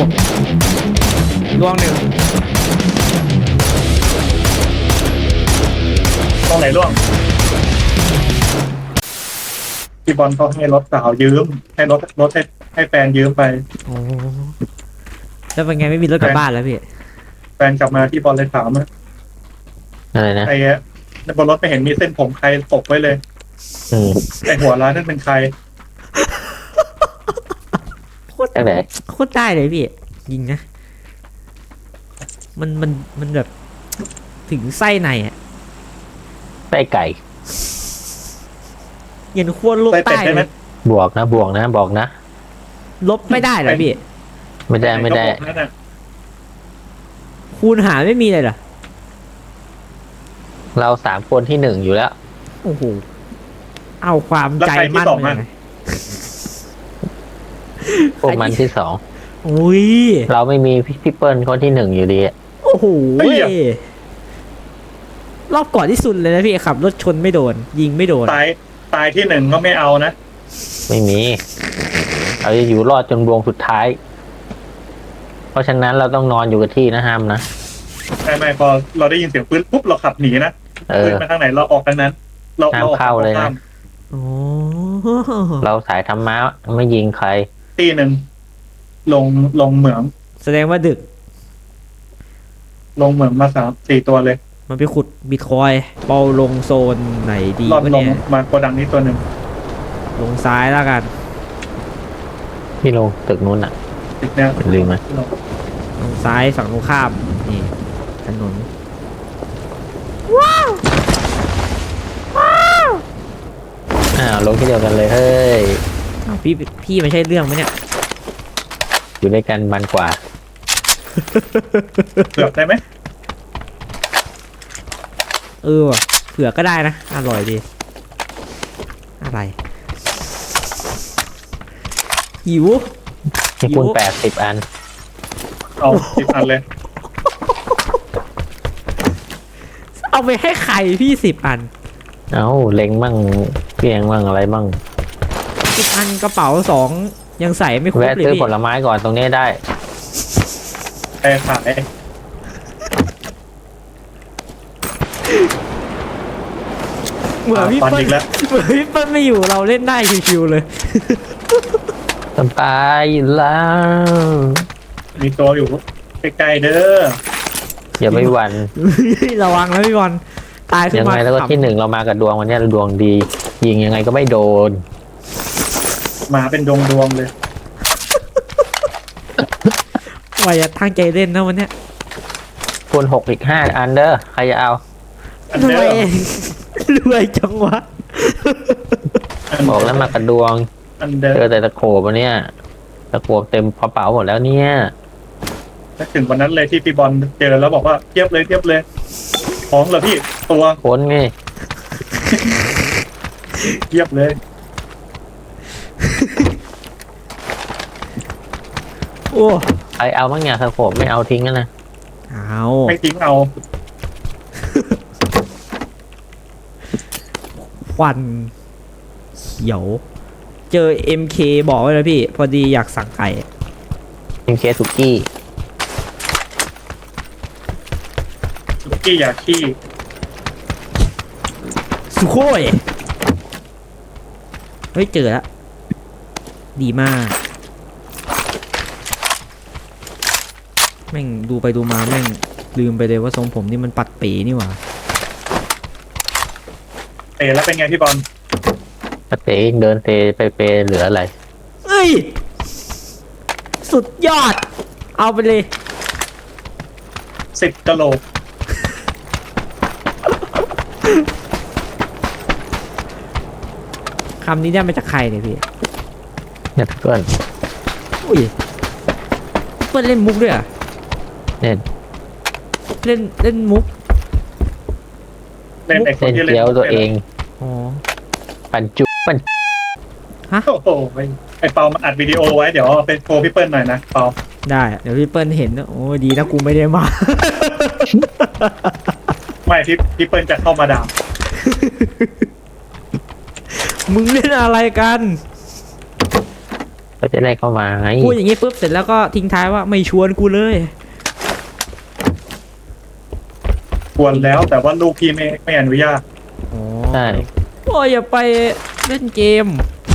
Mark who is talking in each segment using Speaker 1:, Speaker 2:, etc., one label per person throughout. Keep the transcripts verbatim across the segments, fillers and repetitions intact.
Speaker 1: ดวงหนึ่ง
Speaker 2: ตรงไหนร่วงพี่บอลเขาให้รถสาวยืมให้รถรถให้ให้แฟนยืมไป
Speaker 1: โอ้แล้วเป็นไงไม่มีรถกลับบ้านแล้วพี่
Speaker 2: แฟนกลับมาพี่บอลเลยถามว่า
Speaker 3: อะไรนะ
Speaker 2: ไอ้เนี่ยบนรถไม่เห็นมีเส้นผมใครตกไว้เลย
Speaker 3: อืม
Speaker 2: ไอ้หัวร้านนั่นเป็นใคร
Speaker 3: ตั้งแต่
Speaker 1: โคตรได้เลยพี่ยิงนะมันมันมันแบบถึงไส้ในอ่ะ
Speaker 3: ไส้ไก่
Speaker 1: เย็นขั้วโลก
Speaker 2: ไส้เป็ด
Speaker 1: ใต้
Speaker 2: ได้ไหม
Speaker 1: เลย
Speaker 3: บวกนะบวกนะบอกนะ
Speaker 1: ลบไม่ได้เหรอพี่
Speaker 3: ไม่ได้ไม่ได้
Speaker 2: ก็บอกนั่นน่ะ
Speaker 1: คูณหารไม่มีเลยเหรอ
Speaker 3: เราสามคนที่หนึ่งอยู่แล้ว
Speaker 1: โอ้โหเอาความใจมั่นเลยนะ
Speaker 3: พวกมันที่สอง
Speaker 1: อุ้ย
Speaker 3: เราไม่มีพี่พี่เปิ้ลคนที่หนึ่งอยู่ดีอะ
Speaker 1: โอ้โหรอบก่อนที่สุดเลยนะพี่ขับรถชนไม่โดน ยิงไม่โดน
Speaker 2: ตายตายที่หนึ่งก็ไม่เอานะ
Speaker 3: ไม่มีเราจะอยู่รอดจนวงสุดท้าย เพราะฉะนั้นเราต้องนอนอยู่กับที่นะห้ามนะ
Speaker 2: ไม่ไม่พอเราได้ยินเสียงปืนปุ๊บเราขับหนีนะ
Speaker 3: เอ
Speaker 2: ปืน
Speaker 3: อ
Speaker 2: มาทางไหนเราออกทางนั้น เรา
Speaker 3: ห้าม
Speaker 2: เราออก
Speaker 3: เข้าเลยนะ
Speaker 2: ข้ม
Speaker 1: โอ้
Speaker 3: เราสายธรรมะไม่ยิงใคร
Speaker 2: ตีหนึ่งลงลงเหมือง
Speaker 1: แสดงว่าดึก
Speaker 2: ลงเหมืองมาสามสี่ตัวเลย
Speaker 1: มันไปขุดบิตคอยน์เปาลงโซนไหนดี
Speaker 2: รอบ
Speaker 1: วะ
Speaker 2: ลง
Speaker 1: เนี่ย
Speaker 2: มาโกดังนี้ตัวหนึ่ง
Speaker 1: ลงซ้ายแล้วกัน
Speaker 3: พี่ลงตึกนู้นอ่ะ
Speaker 2: ติดเนี่ย
Speaker 3: ลืมไหม
Speaker 1: ลงซ้ายฝั่งตรงข้าม นี่ถนน
Speaker 3: อ้าวลงที่เดียวกันเลยเฮ้ย
Speaker 1: อ้าวพี่พี่ไม่ใช่เรื่องไหมเนี่ย
Speaker 3: อยู่ด้วยกันมันกว่า
Speaker 2: เกือบได้ไหม
Speaker 1: เออว่ะเผื่อก็ได้นะ อร่อยดี อะไร หิว
Speaker 3: มีคูณแปดสิบอัน
Speaker 2: เอาสิบอันเลย
Speaker 1: เอาไปให้ใครพี่สิบอัน
Speaker 3: เอ้าเล็งมั่งเพียงมั่งอะไรมั่ง
Speaker 1: สิบอันกระเป๋าสองยังใส่ไม่ครบ
Speaker 3: แวะ
Speaker 1: เลย
Speaker 3: ซื้อ
Speaker 1: พี่
Speaker 3: ผลไม้ก่อนตรงนี้ได้
Speaker 2: ไปขาย
Speaker 1: เหมือนพี่
Speaker 2: ตอน
Speaker 1: เปิ้ล
Speaker 2: อีกแล้ว
Speaker 1: เหมือนพี่เปิ้ลไม่อยู่เราเล่นได้ชิวๆเลย
Speaker 3: สบายอยู่แล้ว
Speaker 2: มีตัวอยู่ใกล้ๆเด้อ
Speaker 3: อย่าไปหวั่น
Speaker 1: ระวังนะพี่บอลตายขึ้น
Speaker 3: ยัง
Speaker 1: มา
Speaker 3: ไงแล้วก็
Speaker 1: ขำ
Speaker 3: ที่หนึ่งเรามากับดวงวันนี้เราดวงดี ยิงยังไงก็ไม่โดน
Speaker 2: มาเป็นดวงดวงๆเลย
Speaker 1: ว่าจะตั้งใจเล่นนะวันเนี้ย
Speaker 3: คูณหกอีกห้าอันเด้อใครจะเอา
Speaker 2: อัน
Speaker 1: ร
Speaker 2: เด้
Speaker 1: วย
Speaker 2: อ
Speaker 1: รวยจังวะ
Speaker 3: บอกแล้วมากับดวง
Speaker 2: อันเด้อ
Speaker 3: เจอแต่ตะโขบวันเนี้ยตะโขบเต็มกระเป๋าหมดแล้วเนี่ย
Speaker 2: ถ้าถึงวันนั้นเลยที่พี่บอลเจอแล้วบอกว่าเทียบเลยเทียบเลยของเหรอพี่ตัว
Speaker 3: ค้นไง
Speaker 2: เทียบเลย
Speaker 1: โอ้
Speaker 3: ใครเอาบ้างเนี่ยตะโขบไม่เอาทิ้งกันนะ
Speaker 1: เอา
Speaker 2: ไม่ทิ้งเอา
Speaker 1: ควันเขียว เจอ เอ็ม เค บอกไว้เลยพี่ พอดีอยากสั่งไก่
Speaker 3: เป็นเคสสุกี้
Speaker 2: สุกี้อยากขี้
Speaker 1: สุโคยเฮ้ย เจอแล้ว ดีมาก แม่งดูไปดูมาแม่งลืมไปเลยว่าทรงผมนี่มันปัดปีนี่หว่า
Speaker 2: เตะแล้วเป็นไงพี่บอล
Speaker 3: ปเตงเดินเตไปเปเหลืออะไร
Speaker 1: เอ้ย สุดยอด เอาไปเลย
Speaker 2: สิบกะโหลก
Speaker 1: คำนี้ได้มาจากใครเนี่ยพี่
Speaker 3: เนี่ยเพื่อน
Speaker 1: อุ้ยเพื่อนเล่นมุกด้วยเหรอ่ะ
Speaker 3: เนี่ย
Speaker 1: เล่นเล่นมุก
Speaker 2: เล่นไอ้คน
Speaker 3: เส้น
Speaker 2: ที่เล่น
Speaker 3: เกี๊ยวตัวเอง
Speaker 1: อ๋อ
Speaker 3: ปั่นจุปั่น
Speaker 2: โอ้โหไอ้เปามันอัดวิดีโอไว้เดี๋ยวเอาไปโชว์พี่เปิ้ลหน่อยนะเปา
Speaker 1: ได้เดี๋ยวพี่เปิ้ลเห็นนะโอ้ยดีนะกูไม่ได้มา
Speaker 2: ไม่พี่พี่เปิ้ลจะเข้ามาด่า
Speaker 1: มึงเล่นอะไรกัน
Speaker 3: ก็จะได้เข้ามาไง
Speaker 1: พูดอย่างนี้ปุ๊บเสร็จแล้วก็ทิ้งท้ายว่าไม่ชวนกูเลย
Speaker 2: ควรแล้วแต่ว่าลูกพี่ไม่ไม่อนุญาต
Speaker 1: อ๋อ
Speaker 3: ใช่
Speaker 1: โอ้ยอย่าไปเล่นเกม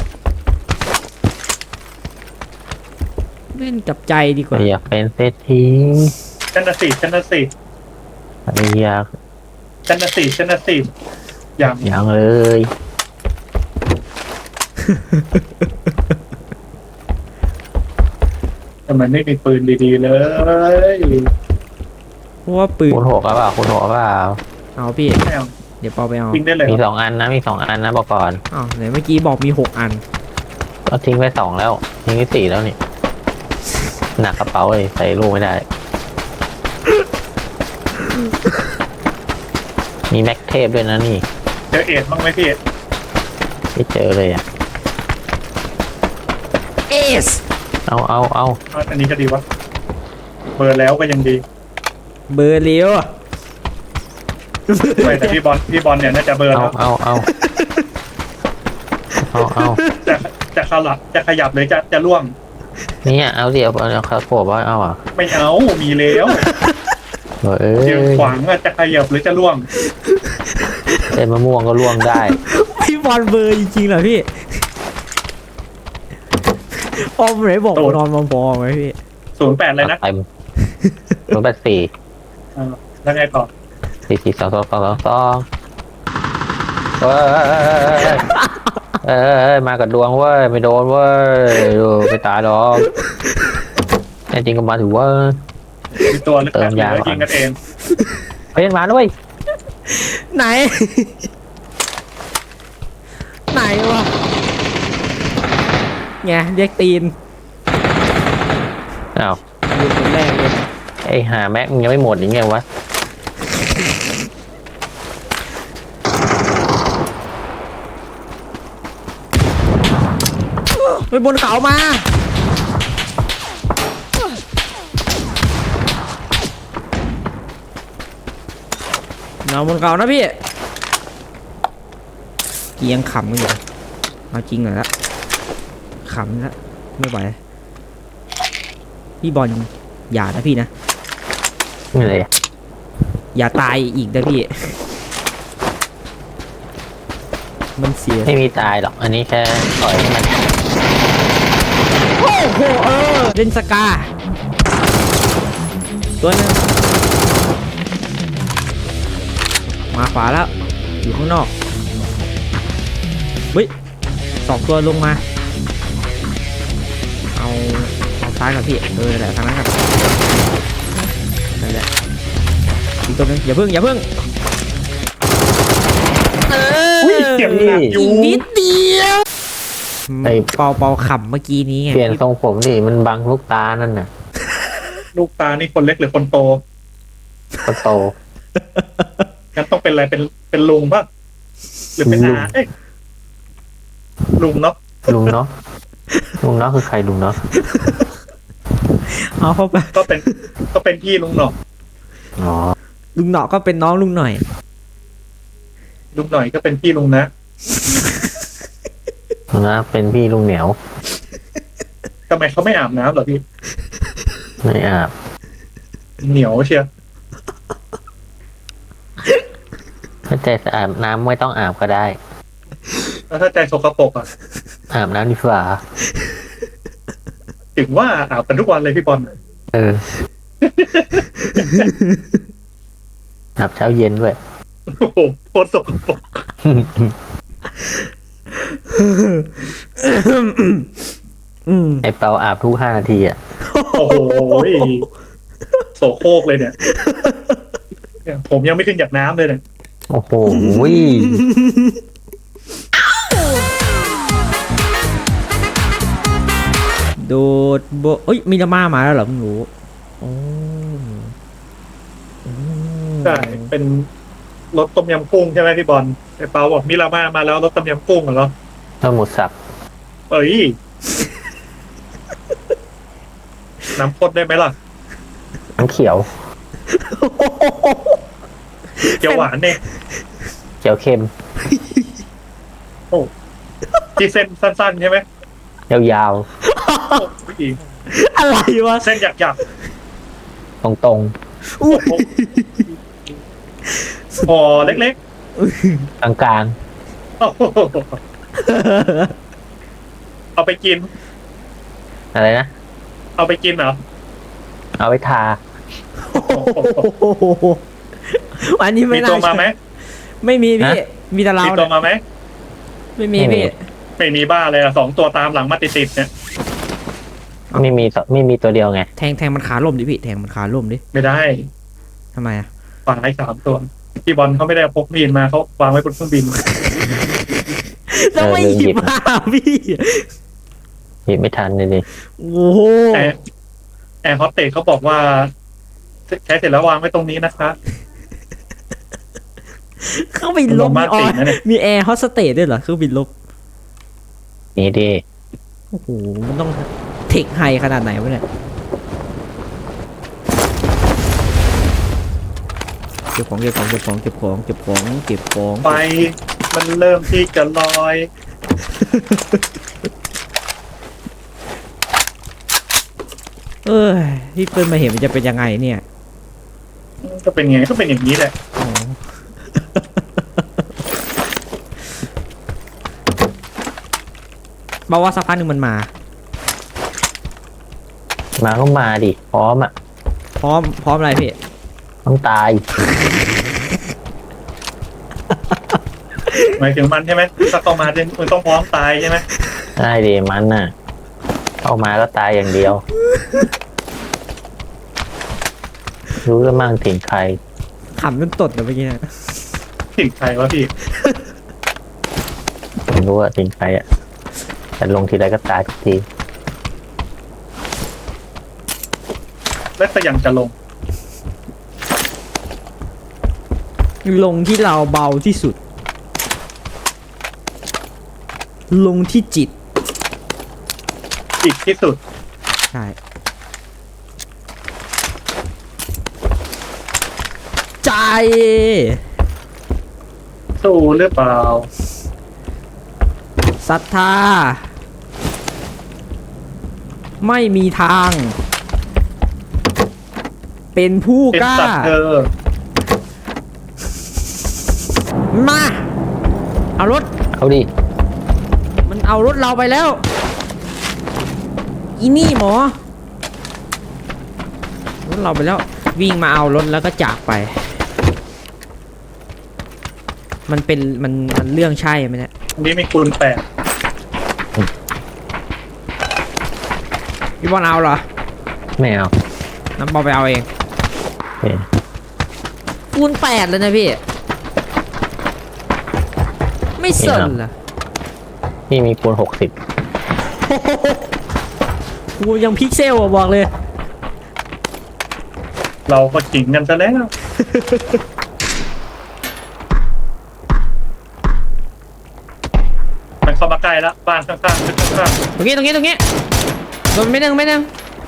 Speaker 1: เล่นกับใจดีกว่า
Speaker 3: อยากเป็นเศรษฐี
Speaker 2: ชันนสิชันนสิ
Speaker 3: อยาก
Speaker 2: ชันนสิชันนสิอย่าง
Speaker 3: อย่างเลย
Speaker 2: ทำไมไม่มีปืนดีๆเลย
Speaker 1: เพราะว่าปืน
Speaker 3: คุณหกหรือเปล่าคุณหกหรือเปล่า
Speaker 1: เอาพี่
Speaker 2: ไม่เอา
Speaker 1: เดี๋ยวเปาไปเอา
Speaker 2: ทิ้งได้เลย
Speaker 3: มีสองอันนะมีสองอันนะบอกก่อน
Speaker 1: อ้าวไหนเมื่อกี้บอกมีหกอัน
Speaker 3: ก็ทิ้งไปสองแล้วทิ้งไปสี่แล้วนี่หนักกระเป๋าเลยใส่ลูกไม่ได้ มีแม็กเทปด้วยนะนี่
Speaker 2: เจอเอ็ดบ้างไหมพี่
Speaker 3: ไม่เจอเลยอ่ะ
Speaker 1: เอส
Speaker 3: เอาเอาเอา
Speaker 2: เอาอันนี้ก็ดีวะเบอร์แล้วก็ยังดี
Speaker 1: เบอร์เลี้ยว
Speaker 2: ไม่แต่พี่บอลพี่บอลเนี่ยน่าจะเบอร์
Speaker 3: เอา
Speaker 2: แล้ว
Speaker 3: เอาเอาเอาเอา
Speaker 2: จะจะขลับจะขยับเลยจะจะล่วง
Speaker 3: เนี่ยเอาเดี๋ยวเอาคาโขบไว้เอาอ่ะ
Speaker 2: ไม่เอามีแล้ว
Speaker 3: เอ้ย
Speaker 2: ยืนขวางอะจะขยับหรือจะล่วง
Speaker 3: เต้นมะม่วงก็ล่วงได้
Speaker 1: พี่บอลเบอร์จริงๆเหรอพี่ออมไหนบอกนอนมาพอไหมพี่
Speaker 2: ศูนย์แปดเลยนะ
Speaker 3: เต็มศูนย์แปดสี่
Speaker 2: อ่าแล้วไงต่อ
Speaker 3: สี่สี่สองสองสองสองสองเฮ้ยเอ้ยมากับดวงเว้ยไม่โดนเว้ยดูไม่ตายหรอกแน่จริงก็มาถือว่า
Speaker 2: มีตัวลึก
Speaker 3: เติ
Speaker 2: แบ
Speaker 3: ม
Speaker 2: บเหลื
Speaker 3: ยา
Speaker 2: อ
Speaker 3: ก่อน
Speaker 2: ยิงกันเอง
Speaker 3: เฮ้ยมาด้วย
Speaker 1: ไหน ไหนวะไงเรียกตีน
Speaker 3: อ้าว
Speaker 1: อยู่คนแรกเลย
Speaker 3: ไอ้หาแม็กมึงยังไม่หมดยังไงวะ
Speaker 1: ไปบนเขามาเราบนเขานะพี่เกียงขำกันอยู่เอาจริงหน่อยละขำละไม่ไหวพี่บอลอย่านะพี่นะ
Speaker 3: นี่เลยอะ
Speaker 1: อย่าตายอีกนะพี่ มันเสีย
Speaker 3: ไม่มีตายหรอก อันนี้แค่ปล่อยให้มัน
Speaker 1: โอ้โหเออเล่นสกา ตัวหนึงมาขวาแล้ว อยู่ข้างนอกเฮ้ยสองตัวลงมา เอาเอาซ้ายกับพี่เออนั่นแหละทางนั้นกันนั่นแหละอีกตัวหนึงอย่าเพิ่งอย่าเพิ่งเออ
Speaker 2: อุ้ยเจ็บหนักอยู่
Speaker 1: อีกนิดเดียวเป่าเป่าขำเมื่อกี้นี้ไง
Speaker 3: เปลี่ยนทรงผมดิมันบังลูกตานั่นน่ะ
Speaker 2: ลูกตานี่คนเล็กหรือคนโต
Speaker 3: ก็โต
Speaker 2: งั้นต้องเป็นอะไรเป็นเป็นลุงป่ะหรือเป็น
Speaker 3: ลุง
Speaker 2: อาเอ้ยลุงเนาะ
Speaker 3: ลุงเนาะลุงเนาะคือใครลุงเนาะ
Speaker 1: เอาเข้าไป
Speaker 2: ก็เป็นก็เป็นพี่ลุงหน่อย
Speaker 3: อ๋อ
Speaker 1: ลุงหนอก็เป็นน้องลุงหน่อย
Speaker 2: ลุงหน่อยก็เป็นพี่ลุงนะ
Speaker 3: นะเป็นพี่ลุงเหนียว
Speaker 2: ทำไมเขาไม่อาบน้ำเหรอพี่
Speaker 3: ไม่อาบ
Speaker 2: เหนียวเชียว
Speaker 3: ถ้าใจสะอาดน้ำไม่ต้องอาบก็ได้
Speaker 2: แล้วถ้าใจสกปรกอ่ะ
Speaker 3: อาบน้ำดีกว่า
Speaker 2: ถึงว่าอาบกันทุกวันเลยพี่บอล
Speaker 3: เออ อาบเช้าเย็นด้วย
Speaker 2: โอ้โหโคตรสกปรก
Speaker 1: อืม
Speaker 3: ไอเปาอาบทุกห้านาทีอ่ะ
Speaker 2: โอ้โหโสโครกเลยเนี่ยเนี่ยผมยังไม่ขึ้นจากน้ำเลยเนี่ย
Speaker 3: โอ้โห
Speaker 1: โดดโบเอ้ยมีดราม่ามาแล้วเหรอมึงรู้โอ้โอ้
Speaker 2: ใช่เป็นรถต้มยำกุ้งใช่ไหมพี่บอลไอ้เปาบอกมิรามามาแล้วรถต้มยำกุ้งเหรอ
Speaker 3: ต้องหมดสับ
Speaker 2: เอ้ยน้ำข้นได้ไหมล่ะ
Speaker 3: น้ำเขียว
Speaker 2: เขียวหวานเนี่ย
Speaker 3: เขียวเค็ม
Speaker 2: ที่เส้นสั้นๆใช่ไหม
Speaker 3: ยาว
Speaker 2: ผู้หญิง
Speaker 1: อะไรวะ
Speaker 2: เส้นหยักหยัก
Speaker 3: ตรงตรง
Speaker 1: อุ้ย
Speaker 2: พอเล็ก
Speaker 3: ๆกลางกลาง
Speaker 2: ๆโอ้โหเอาไปกิน
Speaker 3: ๆอะไรนะ
Speaker 2: เอาไปกินเหรอ
Speaker 3: เอาไว้ทา
Speaker 1: อันนี้
Speaker 2: มี
Speaker 1: ไม่น่า
Speaker 2: ตัวมาไหม
Speaker 1: ไม่มีพี่ มีแต่เรา
Speaker 2: มีตัว
Speaker 1: เนี่ย
Speaker 2: มาไหม
Speaker 1: ไม่มีพี่
Speaker 2: ไม่มีบ้าเลยอะสองตัวตามหลังมาติดๆเนี่ย
Speaker 3: ไม่มีสไม่มีตัวเดียวไง
Speaker 1: แทงแทงมันขาล่มดิพี่แทงมันขาล่มดิ
Speaker 2: ไม่ได้
Speaker 1: ทำไมอ่ะ
Speaker 2: ฝั่งไอ้สามตัวพี่บอลเขาไม่ได้พกมีดมาเขาวางไว้บนเครื่องบิน
Speaker 1: แล้วไม่หยิบมาพี่
Speaker 3: หยิบไม่ทันเลยดิ
Speaker 1: โอ้โห
Speaker 2: แอร์แอร์โฮสเตสเขาบอกว่า ใช้เสร็จแล้ววางไว้ตรงนี้นะคะ
Speaker 1: เครื่องบินลบ
Speaker 2: โรแม
Speaker 1: มี
Speaker 2: น
Speaker 1: อ
Speaker 2: ติ
Speaker 1: อก ย
Speaker 2: นะเนี่ย
Speaker 1: มีแอร์โฮสเตสด้วยเหรอเครื่องบินลบ
Speaker 3: นี่ดิ
Speaker 1: โอ้โหมันต้องเทคไฮขนาดไหนวะเนี่ยเก็บของเก็บของเก็บของเก็บของเก็บของเก็บของ
Speaker 2: ไฟมันเริ่มที่จะลอย
Speaker 1: เออพี่เปิ้ลมาเห็นมันจะเป็นยังไงเนี่ย
Speaker 2: ก็เป็นไงก็เป็นอย่างนี้แหละ
Speaker 1: อ๋อ บอกว่าสักพักหนึ่งมันมา
Speaker 3: มาก็มาดิพร้อมอ่ะ
Speaker 1: พร้อมพร้อมอะไรพี่
Speaker 3: ต้องตาย
Speaker 2: หมายถึงมันใช่ไหมถ้าเข้ามาเนี่ยมันต้องพร้อมตายใช่ไหม
Speaker 3: ได้ดิมันน่ะ เข้ามาก็ตายอย่างเดียว รู้แล้วมั่งถึงใคร
Speaker 1: ขำจนตดเลยเมื่อกี้เนะ
Speaker 2: ถึงใครวะพี่
Speaker 3: ผมรู้ว่าถึงใครอ่ะแต่ลงทีไรก็ตายทุกที
Speaker 2: และก็ยังจะลง
Speaker 1: ลงที่เราเบาที่สุด ลงที่จิต
Speaker 2: อีกที่สุด
Speaker 1: ใช่ ใจ
Speaker 2: สู้หรือเปล่า
Speaker 1: ศรัทธา ไม่มีทาง เป็นผู้
Speaker 2: เป็น
Speaker 1: กล้า
Speaker 2: สัตว์เธอ
Speaker 1: มา เอารถ
Speaker 3: เอาดิ
Speaker 1: มันเอารถเราไปแล้ว อีนี่หมอ รถเราไปแล้ว วิ่งมาเอารถแล้วก็จากไป มันเป็นมันมันเรื่องใช่ไหมเนี่ย
Speaker 2: อันนี้มีคูณแปด
Speaker 1: พี่บอลเอาเหรอ
Speaker 3: ไม่เอา
Speaker 1: น้ำบอลไปเอาเอง
Speaker 3: โอเค
Speaker 1: คูณแปดเลยนะพี่ ไม่สนเหรอ
Speaker 3: นี่มีคูณหกสิบ
Speaker 1: กูยังพิกเซลอะบอกเลย
Speaker 2: เราก็จิงกันซะแล้ว มันเข้ามาใกล้แล้วบ้านข้างๆตึกข้าง
Speaker 1: ตรงนี้ตรงนี้ตรงนี้โดนไม่นึงไม่นึง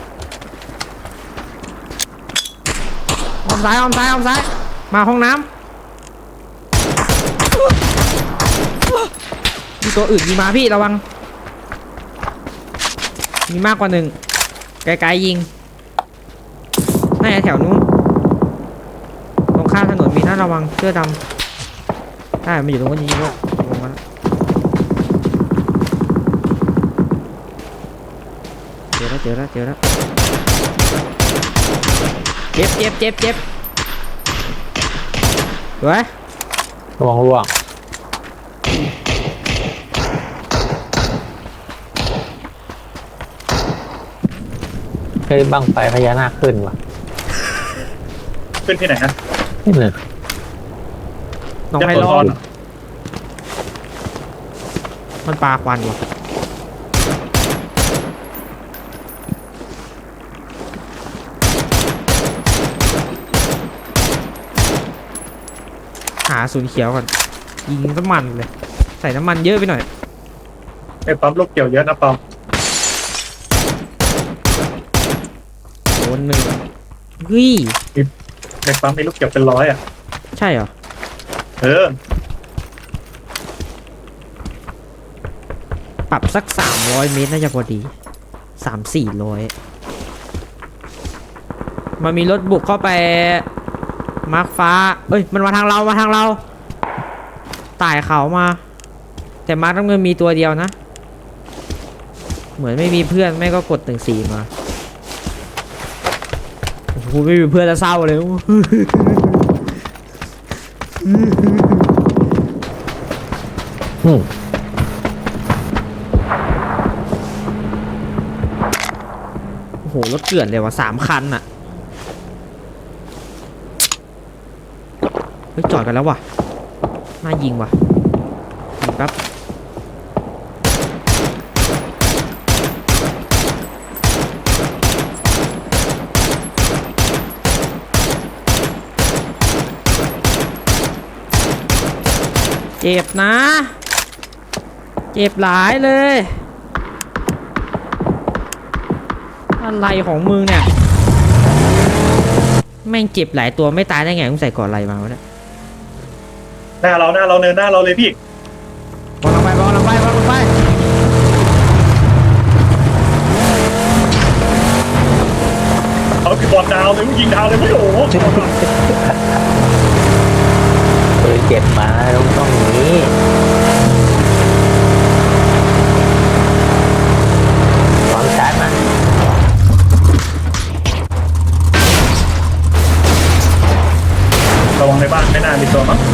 Speaker 1: ออมซ้ายออมซ้ายออมซ้าย มาห้องน้ำมีตัวอื่นมีมาพี่ระวัง มีมากกว่าหนึ่งไกลๆยิงน่าจะแถวนู้นตรงข้ามถนนมีน่าระวังเสื้อดำใช่มันอยู่ตรงนู้นจริงๆด้วยลงมาแล้วเจอแล้วเจอแล้วเจอแล้วเจ็บเจ็บเจ็บเจ็บสวย
Speaker 3: ระวังร่วงเฮ้ยบังไฟพญานาคขึ้นว่ะ
Speaker 2: ๆขึ้นที่ไหนนะ
Speaker 3: นี่เลย
Speaker 1: น้องไฮ
Speaker 2: ยโส
Speaker 1: ร้
Speaker 2: ธ
Speaker 1: อน
Speaker 2: รเหรอ
Speaker 1: มันปลาควันวะหาศูนย์เขียวก่อนยิงน้ำมันเลย ใส่น้ำมันเยอะไปหน่อย
Speaker 2: ไอ้ปั๊มลูกเกี่ยวเยอะนะเปา
Speaker 1: โดนหนึ่งเฮ้ย
Speaker 2: ในปั๊มมีลูกเกี่ยวเป็นร้อยอ่ะ
Speaker 1: ใช่เหรอ
Speaker 2: เออ
Speaker 1: ปรับสักสามร้อยเมตรน่าจะพอดีสามสี่ร้อยมันมีรถบุกเข้าไปมาร์คฟ้าเอ้ยมันมาทางเรามาทางเราไต่เขามาแต่มาร์คน้ำเงินมีตัวเดียวนะเหมือนไม่มีเพื่อนไม่ก็กดหนึ่งสี่มาโอ้โหไม่มีเพื่อนแล้วเศร้าเลย
Speaker 3: อืม
Speaker 1: โอ้โหรถเกลื่อนเลยว่ะสามคันอะเฮ้ยจอดกันแล้วว่ะน่ายิงว่ะยิงแป๊บเจ็บนะเจ็บหลายเลยอะไรของมึงเนี่ยแม่งเจ็บหลายตัวไม่ตายได้ไงมึงใส่ก่อนอะไรมาวะเนี่ย
Speaker 2: หน้าเราหน้าเราเนินหน้าเราเลยพี่
Speaker 1: บอลลงไปบอลลงไปบอลลงไป
Speaker 2: เอาคือบอลดาวเลยยิงดาวเลยไม่โอ้โห
Speaker 3: เออเจ็บมาต้องต้องอย่างนี้ลองชาร์จมา
Speaker 2: ระวังในบ้านไม่น่ามีตัวมั้ง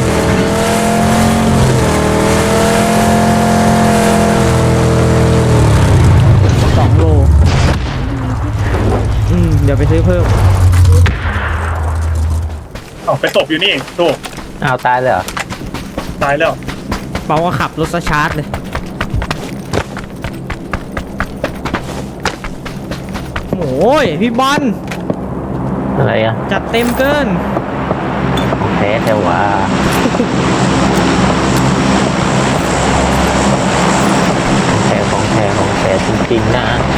Speaker 1: สองโลอืมเดี๋ยวไปซื้อเพิ่ม
Speaker 2: เอาไปตบอยู่นี่ถูก
Speaker 3: อ้าวตายเลยเหรอ
Speaker 2: ตายแล้ว
Speaker 1: เปาก็ขับรถสชาร์จเลยโอ้ยพี่บอล
Speaker 3: อะไรอ่ะ
Speaker 1: จัดเต็มเกิน
Speaker 3: แพ้แต่ว่าแพ้ของแท้ของแท้จริงๆนะ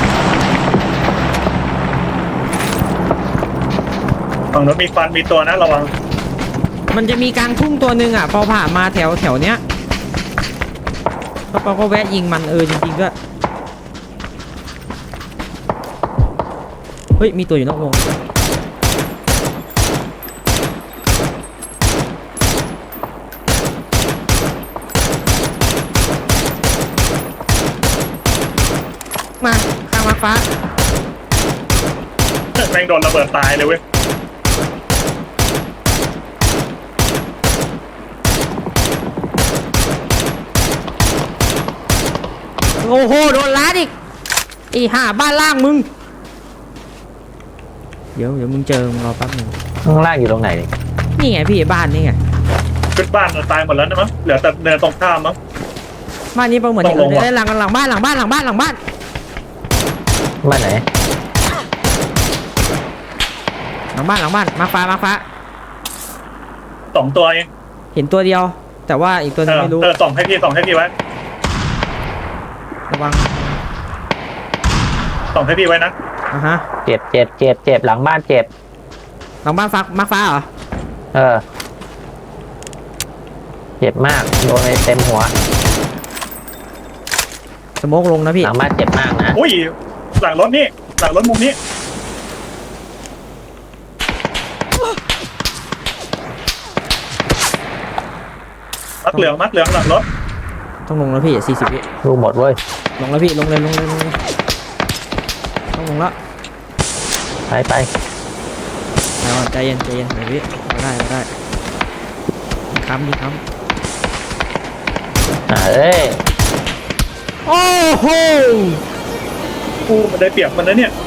Speaker 2: ฝั่งนู้นมีฟันมีตัวนะระวัง
Speaker 1: มันจะมีกลางทุ่งตัวหนึ่งอ่ะเปาผ่านมาแถวแถวเนี้ยก็เปาก็แวะยิงมันเออจริงๆก็เฮ้ยมีตัวอยู่นอกวงมาข้างมาฟ้า
Speaker 2: แม่งโดนระเบิดตายเลยเว้ย
Speaker 1: โอ้โหโดนล้าดอีกอีห่าบ้านล่างมึงเดี๋ยวเดี๋ยวมึงเจอมึงรอแป๊บหนึง
Speaker 3: ข้างล่างอยู่ตรงไหนนี่
Speaker 1: นี่ไงพี่บ้านนี่ไง
Speaker 2: ขึ้นบ้านตายหมดแล้วนะมั้งเหลือแต่เนินตรงข้ามมั้ง
Speaker 1: บ้านนี้เปาเหมือน
Speaker 2: ต้องลงว่ะ
Speaker 1: ได้หลังหลังบ้านหลังบ้านหลังบ้านหลังบ้าน
Speaker 3: บ้านไหน
Speaker 1: หลังบ้านหลังบ้านมาฟ้ามาฟ้า
Speaker 2: สองตัวเอง
Speaker 1: เห็นตัวเดียว แต่ว่าอีกตัวหนึ
Speaker 2: เอง อ
Speaker 1: ไม่รู้
Speaker 2: เออส่องให้พี่ส่องให้พี่ไว้
Speaker 1: ระวัง
Speaker 2: ส่องให้พี่ไว้นะ
Speaker 1: อ่ะฮะ
Speaker 3: เจ็บเจ็บเจ็บเจ็บหลังบ้านเจ็บ
Speaker 1: หลังบ้านฟ้ามาฟ้าเหรอ
Speaker 3: เออเจ็บมากโดนไปเต็มหัว
Speaker 1: สโมกลงนะพี่
Speaker 3: หลังบ้านเจ็บมากนะ
Speaker 2: อุ้ยหลังรถนี่หลังรถมุมนี้มักเหลืองมักเหลืองหลังรถ
Speaker 1: ต้องลงแล้วพี่สี่สิบวิ
Speaker 3: รู้หมดเว้ย
Speaker 1: ลงแล้วพี่ลงเลยลงเลยลงเลยต้องลงแล้ว
Speaker 3: ไปไป
Speaker 1: เอาใจเย็นใจเย็นหน่อยพี่เอาได้เอาได้มีค้ำมีค้
Speaker 3: อ่าเอ้ย
Speaker 1: ำโอ้โห
Speaker 2: กูมันได้เปรียบมันนะเนี่ย